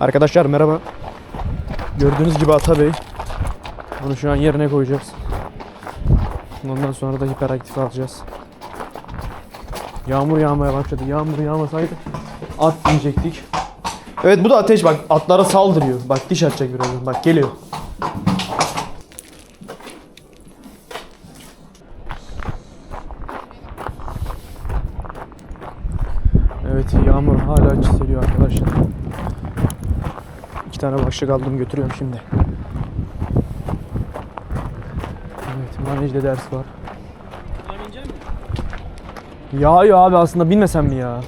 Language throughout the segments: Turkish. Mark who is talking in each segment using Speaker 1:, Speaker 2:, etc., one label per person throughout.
Speaker 1: Arkadaşlar merhaba. Gördüğünüz gibi Atabey. Bunu şu an yerine koyacağız. Ondan sonra da hiperaktif alacağız. Yağmur yağmaya başladı. Yağmur yağmasaydı at binecektik. Evet bu da ateş bak. Atlara saldırıyor. Bak diş atacak birazdan. Bak geliyor. Evet yağmur hala çiseliyor arkadaşlar. 2 tane başlık aldım götürüyorum şimdi. Evet manejde ders var. Yağıyor abi aslında binmesem mi ya?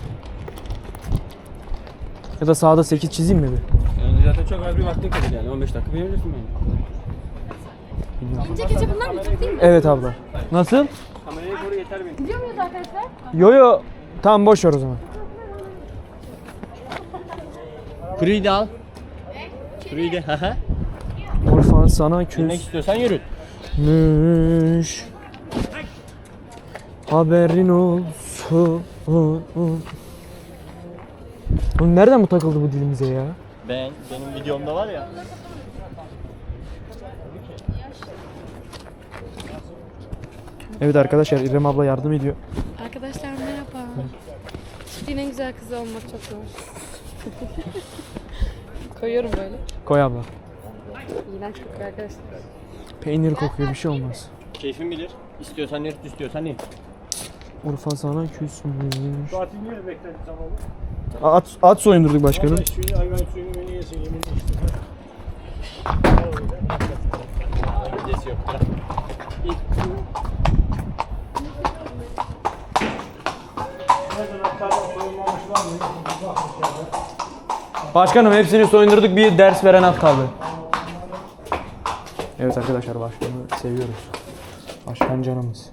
Speaker 1: Ya da sağda 8 çizeyim mi bir?
Speaker 2: Yani zaten çok az bir vaktin kalır yani 15 dakika binebilirsin bence.
Speaker 3: İnce keçe bunlar mı? Çok değil mi?
Speaker 1: Evet abla. Nasıl?
Speaker 2: Kameraya doğru yeter benim.
Speaker 3: Gidiyor muyuz arkadaşlar?
Speaker 1: Yo. Tamam boş ver o zaman.
Speaker 2: Kuruyu da al. Kuruyu da haha.
Speaker 1: Orfan sana
Speaker 2: Bilmek istiyorsan yürü.
Speaker 1: küsmüş. Haberin olsun. Oğlum nereden bu takıldı bu dilimize ya?
Speaker 2: Benim videomda var ya.
Speaker 1: Evet arkadaşlar İrem abla yardım ediyor.
Speaker 3: Arkadaşlar merhaba. Çiftliğin en güzel kızı olmak çok zor. Koyuyorum böyle.
Speaker 1: Koy abla.
Speaker 3: İğrenç kokuyor arkadaşlar.
Speaker 1: Peynir kokuyor bir şey olmaz.
Speaker 2: Keyfin bilir. İstiyorsan yürü, istiyorsan in.
Speaker 1: Urfa sana küsmüş.
Speaker 2: Saati niye bekledin tamam?
Speaker 1: At soyundurduk başkanım.
Speaker 2: Suyunu hayvan suyunu beni yesin yemin işte. Öncesi yok.
Speaker 1: Başkanım hepsini soyundurduk, bir ders veren at kaldı. Evet arkadaşlar başkanı seviyoruz. Başkan canımız.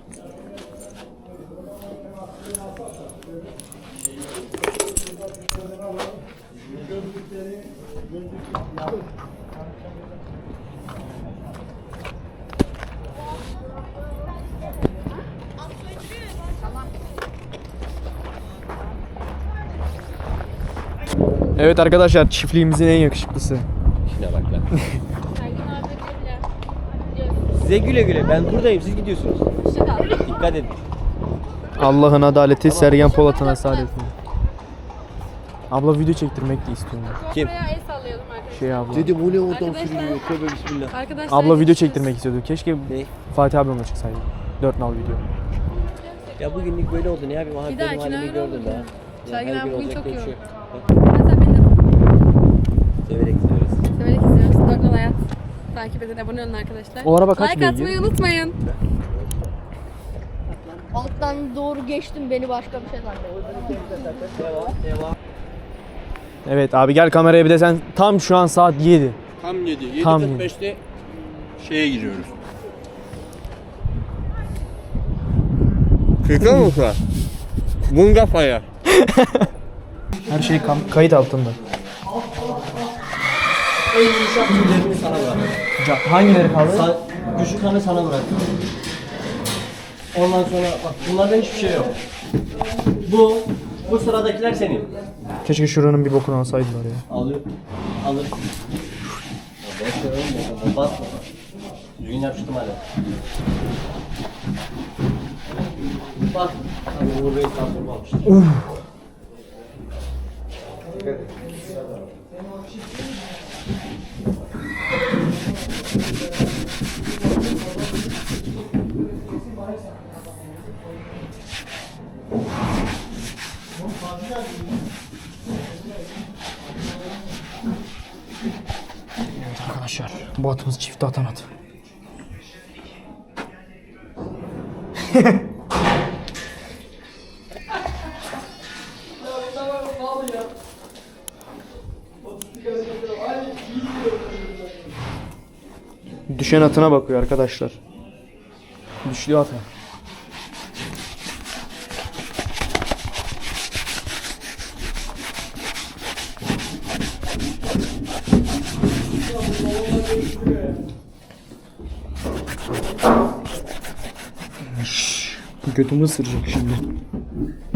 Speaker 1: Evet arkadaşlar çiftliğimizin en yakışıklısı.
Speaker 2: Şuna bak lan. Size güle güle. Ben buradayım. Siz gidiyorsunuz. Dikkat edin.
Speaker 1: Allah'ın adaleti Sergen Polat'ın asaletini. Abla video çektirmek de istiyorum.
Speaker 2: Kim?
Speaker 3: Buraya el sallayalım arkadaşlar.
Speaker 1: Şey abla.
Speaker 2: Dedi bu ne oradan
Speaker 3: Arkadaşlar-
Speaker 2: sürünüyor? Tövbe bismillah.
Speaker 3: Arkadaşlar
Speaker 1: Abla video
Speaker 3: görüşürüz.
Speaker 1: çektirmek istiyordu. Keşke
Speaker 2: Ne?
Speaker 1: Fatih abimle çıksaydı. 4 nal video.
Speaker 2: Ya bugünlük böyle oldu. Ne yapayım? Aha
Speaker 3: Bir
Speaker 2: benim
Speaker 3: dahakine
Speaker 2: halimi
Speaker 3: öyle
Speaker 2: gördün
Speaker 3: olur
Speaker 2: daha.
Speaker 3: ya.
Speaker 2: Ya
Speaker 3: Sergen
Speaker 2: her
Speaker 3: abi
Speaker 2: gün
Speaker 3: bugün
Speaker 2: olacak
Speaker 3: çok
Speaker 2: diye bir şey
Speaker 3: yoğun.
Speaker 2: yok.
Speaker 3: Hatta beni de
Speaker 2: Severek gidiyoruz.
Speaker 3: severek izliyoruz. Dört Nal Hayat. Takip edin, abone olun arkadaşlar.
Speaker 1: O araba kaç
Speaker 3: Like
Speaker 1: beygir?
Speaker 3: atmayı unutmayın.
Speaker 4: Alttan doğru geçtim, beni başka bir şey zannetti.
Speaker 2: Devam.
Speaker 1: Evet abi gel kameraya bir de sen tam şu an saat 7.
Speaker 2: Tam 7.
Speaker 1: Tam
Speaker 2: 7.45'te şeye giriyoruz. Kırka mı şu an? Bungafaya.
Speaker 1: Her şey kayıt altında.
Speaker 2: En yumuşak tüylerini sana bırak.
Speaker 1: Hangileri kaldı?
Speaker 2: Güçlü kanı sana bırak. Ondan sonra bak bunlarda hiçbir şey yok. Bu sıradakiler senin.
Speaker 1: Keşke şuranın bir bokunu alsaydılar ya.
Speaker 2: Alır. Boş ver oğlum. Basma. Düzgün yapıştım hala. Bak. Abi Uğur Bey transformu almıştır.
Speaker 1: Evet arkadaşlar bu atımız çifte atan at. Düşen atına bakıyor arkadaşlar. Düşlü ata. Götümü ısıracak şimdi.